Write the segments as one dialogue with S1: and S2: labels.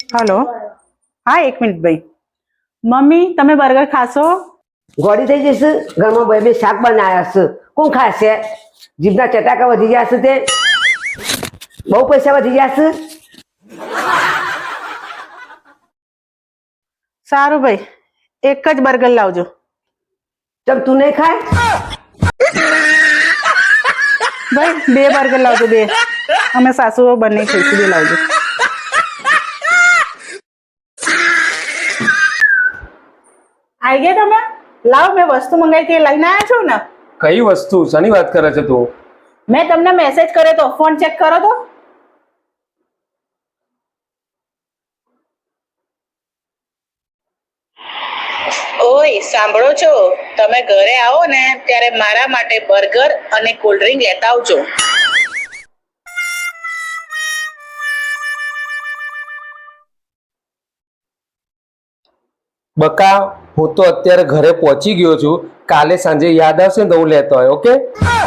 S1: hello हाँ एक minute भाई मम्मी તમે બર્ગર ખાશો
S2: ગોળી થઈ જશે ઘરમાં બે બે શાક બનાવ્યા છે કોણ ખાશે જીભના ચટાકા વધી ગયા છે તે બહુ પૈસા વધી ગયા છે
S1: સારું ભાઈ એક જ બર્ગર લાવજો
S2: ચમ તું નહીં ખાય
S1: ભાઈ બે બર્ગર લાવજો બે અમે સાસુ બંને ખાઈશું બે લાવજો આવી ગયા તમે લાવ મેં વસ્તુ મંગાવી હતી લઈને આવ્યા છો ને
S3: કઈ વસ્તુ શાની વાત કરે છે તું
S1: મેં તમને મેસેજ કર્યો તો ફોન ચેક કરો તો
S4: ઓય સાંભળો છો તમે ઘરે આવો ને ત્યારે મારા માટે બર્ગર અને કોલ્ડ ડ્રિંક લેતા આવજો
S3: બકા હું તો અત્યારે ઘરે પહોંચી ગયો છું કાલે સાંજે યાદ આવશે ને તો હું લેતો હોય ઓકે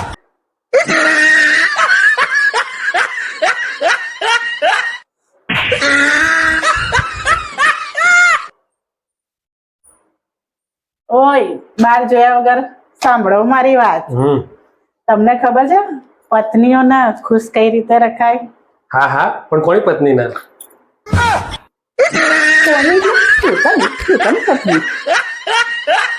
S1: ઓય બાર જોયા વગર સાંભળો મારી વાત તમને ખબર છે પત્નીઓને ખુશ કઈ રીતે રખાય
S3: હા હા પણ કોની પત્ની ના
S1: પોતાની પત્ની